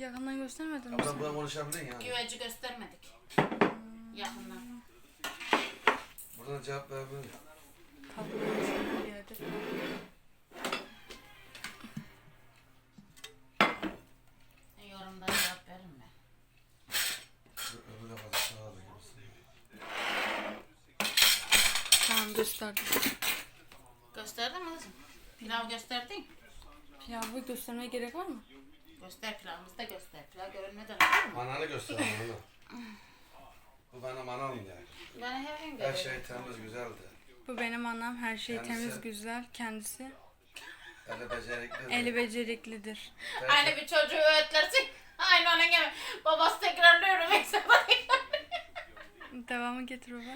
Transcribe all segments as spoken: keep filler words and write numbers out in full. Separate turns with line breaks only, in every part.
yakından göstermedin mi
Abla
sen?
buna konuşabilir ya.
Güveci göstermedik. Hmm. Yakından.
Buradan cevap verebilir.
Kablo bir yerde.
Yorumda cevap verin mi?
Öbür de fazla sağ da gibisin.
Tamam gösterdim.
Gösterdin mi kızım? Pilav gösterdin.
Pilavı göstermeye gerek var mı?
Göster pilavımızı da göster. Pilav görünmeden olur mu?
Mananı göster mananı. Bu benim anam yani.
Bana her gün
Her
görüyorum.
şey temiz güzeldi.
Bu benim anam. Her şey
Kendisi-
temiz, güzel. Kendisi
Eli becerikli.
eli beceriklidir.
Aynı bir çocuğu öğütlersin. Aynı onun gibi. Babası tekrarlıyor. Mesela
Devamı getir baba.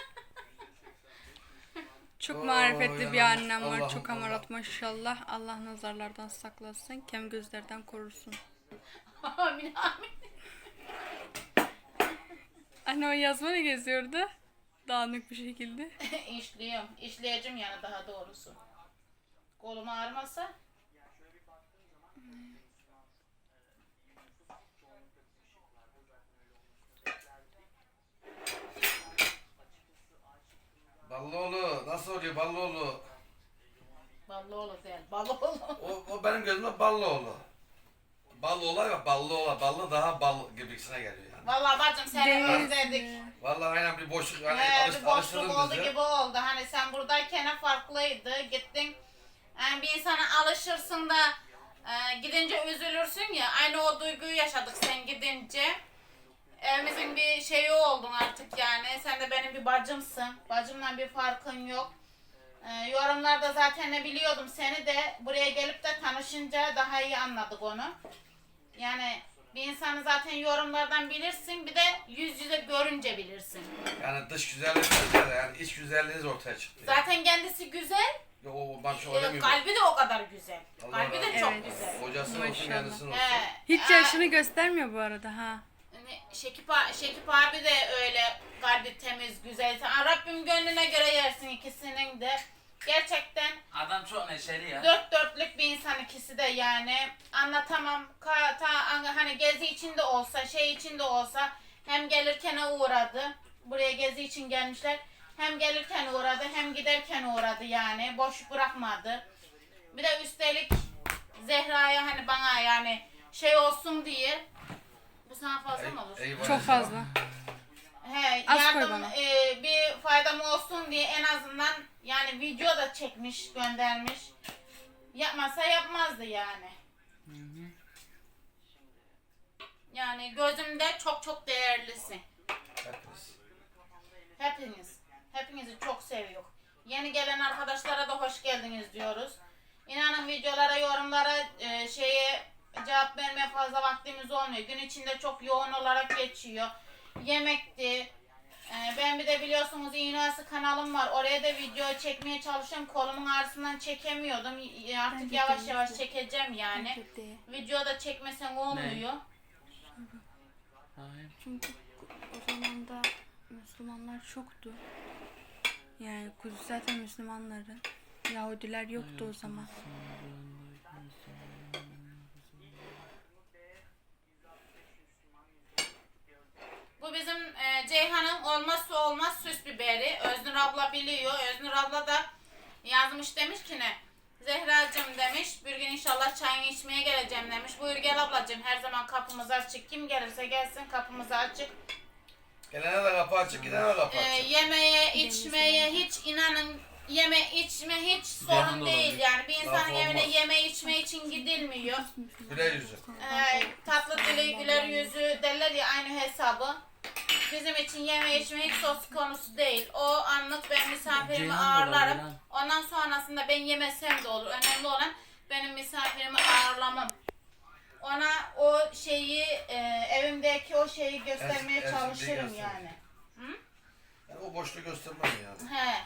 Çok
Oo,
marifetli bir
yanılmış.
annem var.
Allah'ım,
Çok
Allah.
amarat maşallah. Allah nazarlardan saklasın. Kem gözlerden korusun.
amin amin.
Anne o yazma ne geziyordu? Dağınık bir şekilde.
İşliyorum. İşleyeceğim yani daha doğrusu. Kolum ağrımasa.
Ballıoğlu nasıl oluyor Ballıoğlu?
Ballıoğlu değil. Ballıoğlu.
O, o benim gözümde Ballıoğlu. Ballıoğlu ya Ballıoğlu. Ballı daha bal gibisine geliyor yani.
Vallahi bacım seni
Değil.
özledik.
Vallahi aynen bir boşluk hani
Ee,
alış,
bir boşluk
alıştırdın
oldu
bizi.
gibi oldu. Hani sen buradayken farklıydı. Gittin. Yani bir insana alışırsın da e, gidince üzülürsün ya. Aynı o duyguyu yaşadık sen gidince. Evimizin bir şeyi oldun artık yani. Sen de benim bir bacımsın. Bacımla bir farkın yok. E, yorumlarda zaten ne biliyordum seni de buraya gelip de tanışınca daha iyi anladık onu. Yani bir insanı zaten yorumlardan bilirsin, bir de yüz yüze görünce bilirsin.
Yani dış güzellik güzel de yani iç güzelliğiniz ortaya çıktı. Yani.
Zaten kendisi güzel,
Yo, o ben şu
e,
öyle miyim?
kalbi de o kadar güzel.
Allah
Kalbi de
razı
çok
Evet.
güzel.
Kocası olsun
Maşallah.
kendisi olsun.
He,
Hiç
e,
yaşını göstermiyor bu arada ha.
hani Şekip, a- Şekip abi de öyle kalbi temiz, güzel. Sen- Rabbim gönlüne göre yersin ikisinin de. Gerçekten
Adam çok neşeli ya.
dört dörtlük bir insan ikisi de yani. Anlatamam. Ka, ta, hani gezi içinde olsa, şey içinde olsa hem gelirken uğradı. Buraya gezi için gelmişler. Hem gelirken uğradı hem giderken uğradı yani. Boş bırakmadı. Bir de üstelik Zehra'ya hani bana yani şey olsun diye. Bu sana fazla mı olur?
Eyvallah.
Çok fazla.
He,
Az koy
yardım
bana.
e, bir faydam olsun diye en azından yani video da çekmiş, göndermiş. Yapmasa yapmazdı yani. Yani gözümde çok çok değerlisin.
Hepiniz.
Hepiniz. Hepinizi çok seviyor. Yeni gelen arkadaşlara da hoş geldiniz diyoruz. İnanın videolara, yorumlara, e, şeye cevap vermeye fazla vaktimiz olmuyor. Gün içinde çok yoğun olarak geçiyor. Yemekti. E, ben bir de biliyorsunuz İğnası kanalım var. Oraya da video çekmeye çalışıyorum. Kolumun ağrısından çekemiyordum. Y- Artık
de
yavaş
değil.
yavaş çekeceğim yani.
Bence de.
Video da çekmesen olmuyor.
Hayır.
Çünkü o zaman da Müslümanlar çoktu. Yani Kudüs zaten Müslümanların. Yahudiler yoktu o zaman.
Bu bizim e, Ceyhan'ın olmazsa olmaz süs biberi. Öznur abla biliyor. Öznur abla da yazmış demiş ki ne? Zehracığım demiş. Bir gün inşallah çayını içmeye geleceğim demiş. Buyur gel ablacığım. Her zaman kapımız açık. Kim gelirse gelsin kapımız açık.
Gelene de kapı açık, gidene de kapı
E,
açık.
yemeğe, içmeye hiç inanın yeme içme hiç sorun
Ceyhan
değil
olabilir.
yani. Bir insanın
Laf
evine
olmaz.
yeme içme için gidilmiyor.
Güle yüzü.
Ee, tatlı dili güler yüzü derler ya aynı hesabı. Bizim için yeme içme hiç söz konusu değil. O anlık ben misafirimi
Ceylan
ağırlarım.
olabilir
Ondan sonrasında ben yemesem de olur. Önemli olan benim misafirimi ağırlamam. Ona o şeyi e, evimdeki o şeyi göstermeye
Ez- ezildiği
çalışırım
gösterir.
yani.
Yani o boşluğu göstermem yani.
He.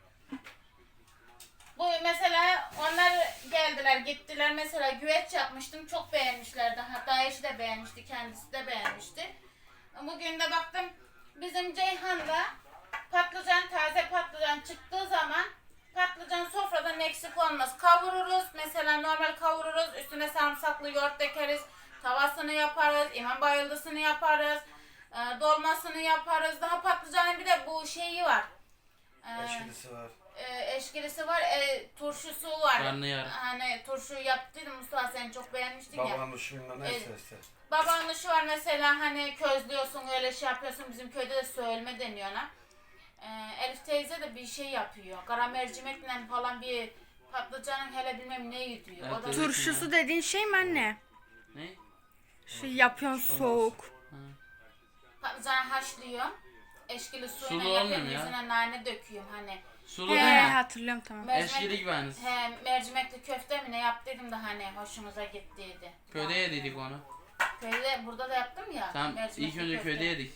Bu mesela onlar geldiler gittiler mesela güveç yapmıştım çok beğenmişlerdi hatta eşi de beğenmişti kendisi de beğenmişti. Bugün de baktım bizim Ceyhan'da patlıcan taze patlıcan çıktığı zaman patlıcan sofradan eksik olmaz. Kavururuz mesela normal kavururuz üstüne sarımsaklı yoğurt dökeriz tavasını yaparız, imam bayıldısını yaparız, e, dolmasını yaparız. Daha patlıcanın bir de bu şeyi var. E,
Eşkilisi var.
e, eşkilisi var, e, turşusu var.
Karnıyarık.
Hani turşu yaptıydım Mustafa, sen çok beğenmiştin ya.
Babanın uşuyla neyse işte.
Babanın şu var mesela, hani közlüyorsun, öyle şey yapıyorsun. Bizim köyde de söyleme deniyor ona. Ee, Elif teyze de bir şey yapıyor. Kara mercimekle falan bir patlıcanın hele bilmem neyi diyor.
Evet,
O da
evet.
Turşusu dediğin şey mi anne?
Ne?
Şu yapıyorsun soğuk.
Ha.
patlıcanı haşlıyor. Eşkili
Sulu
suyla
olmuyor
yapıyorum,
ya.
yüzüne nane döküyorum hani.
Sulu
He
değil mi?
hatırlıyorum tamam.
Eşkili gibi aynısı.
He, mercimekli köfte mi ne yaptıydım da hani hoşumuza gittiydi.
Köyde yediydik onu.
Köyde, burada da yaptım ya.
Tamam
mercimekli
ilk önce
köfte.
köyde yedik.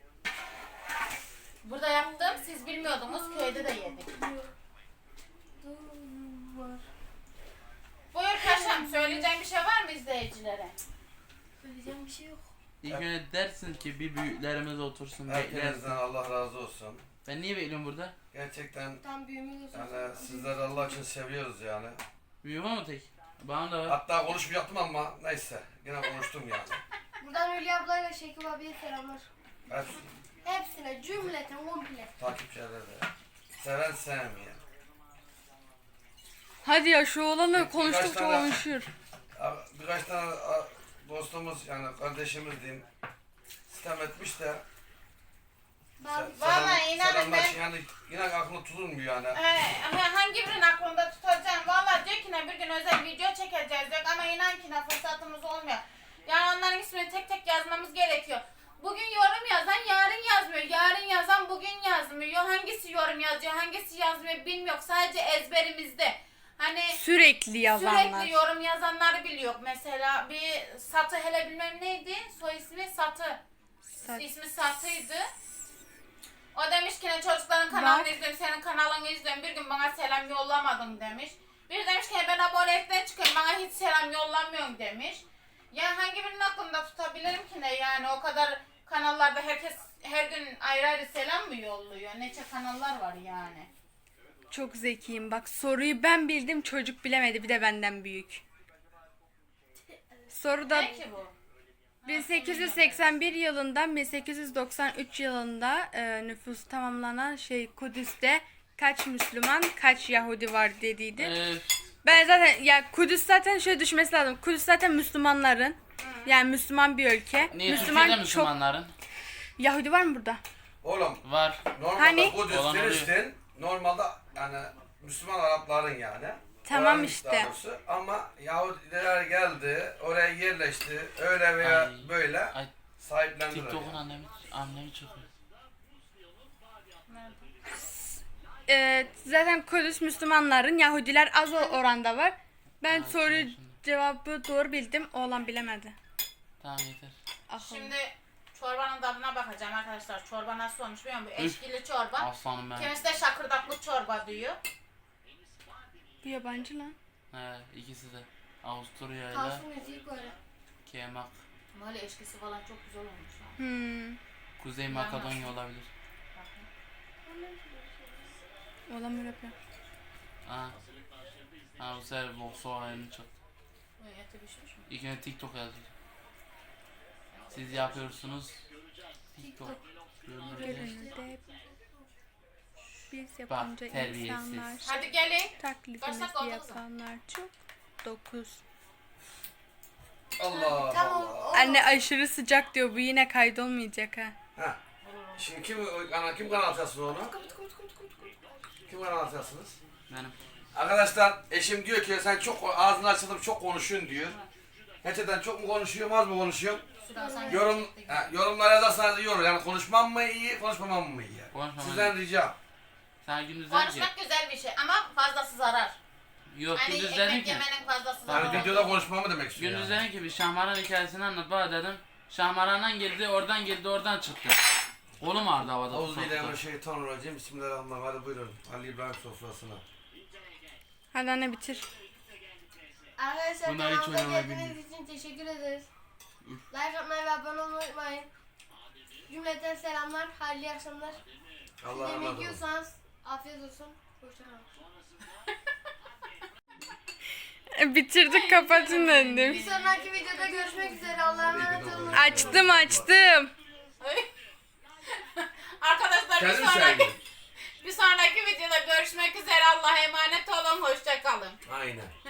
Burada yaptım, siz bilmiyordunuz, köyde de yedik. Buyur paşam, söyleyeceğim bir şey var mı izleyicilere?
Söyleyeceğim bir şey yok.
İlk önce dersin ki bir büyüklerimiz otursun
Herkesten
beklersin.
Allah razı olsun.
Ben niye bekliyorum burada?
Gerçekten
Tam büyüğümüz olsun.
yani sizleri Allah için seviyoruz yani.
Büyüğüm ama tek. Bana da var.
Hatta konuşmayacaktım ama neyse yine konuştum yani.
Buradan Hülya ablayla Şekip abiye selamlar.
Hepsi
Hepsine cümleten komple.
takipçilere de. Seven sevmeyen.
Hadi ya şu olanı
Birkaç
konuştukça
tane-
konuşuyor.
Abi, birkaç tane a, dostumuz yani kardeşimiz diyeyim sitem etmiş de
Ben
se-
Vallahi inanın
selamlar
ben-
için yani yine aklına tutulmuyor yani.
Ee, ama hangi birinin aklında tutacağım? Valla diyor ki ne bir gün özel video çekeceğiz diyor ama inan ki ne fırsatımız olmuyor. Yani onların ismini tek tek yazmamız gerekiyor. Bugün yorum yazan yarın yazmıyor. Yarın yazan bugün yazmıyor. Hangisi yorum yazıyor, hangisi yazmıyor bilmiyor. Sadece ezberimizde. Hani
Sürekli yazanlar.
sürekli yorum yazanları biliyor. Mesela bir Satı hele bilmem neydi? Soy ismi Satı.
Sat-
İsmi Satı'ydı. O demiş ki ne çocukların kanalını izliyorum, senin kanalını izliyorum. Bir gün bana selam yollamadın demiş. Bir demiş ki ben abonelikten çıkıyorum, bana hiç selam yollamıyorsun demiş. Ya hangi birinin aklında tutabilirim ki ne yani, o kadar kanallarda herkes her gün ayrı ayrı selam mı yolluyor? Nece kanallar var yani.
Çok zekiyim. Bak soruyu ben bildim, çocuk bilemedi, bir de benden büyük. Soruda
Ne ki bu?
bin sekiz yüz seksen bir yılından bin sekiz yüz doksan üç yılında e, nüfusu tamamlanan şey Kudüs'te kaç Müslüman, kaç Yahudi var dediydi.
Ee,
Ben zaten ya Kudüs zaten şöyle düşmesi lazım. Kudüs zaten Müslümanların. Yani Müslüman bir ülke.
niye
Müslüman
Türkiye'de
çok
Müslümanların?
Yahudi var mı burada?
Oğlum
Var.
normalde
Hani?
Kudüs,
Olan oluyor.
Filistin normalde yani Müslüman Arapların yani.
Tamam
Oranın
işte.
daha doğrusu. Ama Yahudiler geldi, oraya yerleşti, öyle veya
Ay.
böyle
Ay
sahiplendiler.
TikTok'un
Yani.
annemi, annemi çıkıyor.
Ee, zaten Kudüs Müslümanların, Yahudiler az o- oranda var. Ben
Ay,
soru
şimdi.
cevabı doğru bildim. Oğlan bilemedi.
Tamam yeter.
Akıllı.
Şimdi çorbanın tadına bakacağım arkadaşlar. Çorba nasıl olmuş bilmiyorum. Bu eşkili çorba.
Aslanım ben.
Kimisi de şakırdaklı çorba diyor.
Bu yabancı lan.
He ikisi de. Avusturya ile
Kalsın müziği böyle.
Kemak.
Böyle eşkisi falan çok güzel olmuş. Ha.
Hmm.
Kuzey Makedonya olabilir.
Oğlan böyle yapıyor.
Ha. Ha bu sefer Volkswagen'ın çıktı.
Bu eti pişmiş mi?
İlk önce TikTok yazıyor. Siz yapıyorsunuz. TikTok. Görünürde.
Görünürde biz yapınca
terbiyesiz.
insanlar,
Hadi gelin.
taklidimizi
Başak oldu kızım.
yapanlar çok. Dokuz.
Allah
Tamam.
Allah.
o-
Anne aşırı sıcak diyor. Bu yine kaydolmayacak ha.
Ha. Şimdi kim ana kim kanal açarsın onu? Kim kanal açarsınız?
Benim.
Arkadaşlar eşim diyor ki sen çok ağzını açılıp çok konuşuyorsun diyor. Gerçekten çok mu konuşuyorum az mı konuşuyorum?
Şuradan sen
Yorum,
çektik.
ha, yorumlar yazarsanız yorum yani konuşmam mı iyi konuşmamam mı iyi?
Konuşmamam
Sizden ricam.
Sen gündüz dedin ki.
Konuşmak güzel bir şey ama fazlası zarar.
Yok
Hani
gündüz dedin
ekmek
ki.
yemenin fazlası
Yani
zarar.
videoda konuşmamı demek istiyor.
Gündüz
Yani.
dedin ki bir Şahmaran hikayesini anlat bana dedim. Şahmaran'dan girdi, oradan girdi, oradan çıktı. Kolum ağrıdı havada.
Euzubillahimineşşeytanirracim. Bismillahirrahmanirrahim. Hadi buyurun. Ali İbrahim sofrasına.
Hadi anne bitir.
Arkadaşlar
Bunlar hiç
kanalımıza
oynamayı
geldiğiniz için teşekkür ederiz. Like atmayı ve abone olmayı unutmayın. Cümleten selamlar. Hayırlı akşamlar.
Allah
Yemek
razı olsun.
yiyorsanız afiyet olsun. Hoşçakalın.
Bitirdik kapatın
Bir
dedim.
sonraki videoda görüşmek üzere. Allah'a emanet olun.
Açtım açtım.
Arkadaşlar bir
Kendin
sonraki
söyle.
bir sonraki videoda görüşmek üzere. Allah'a emanet olun. Hoşça kalın.
Aynen.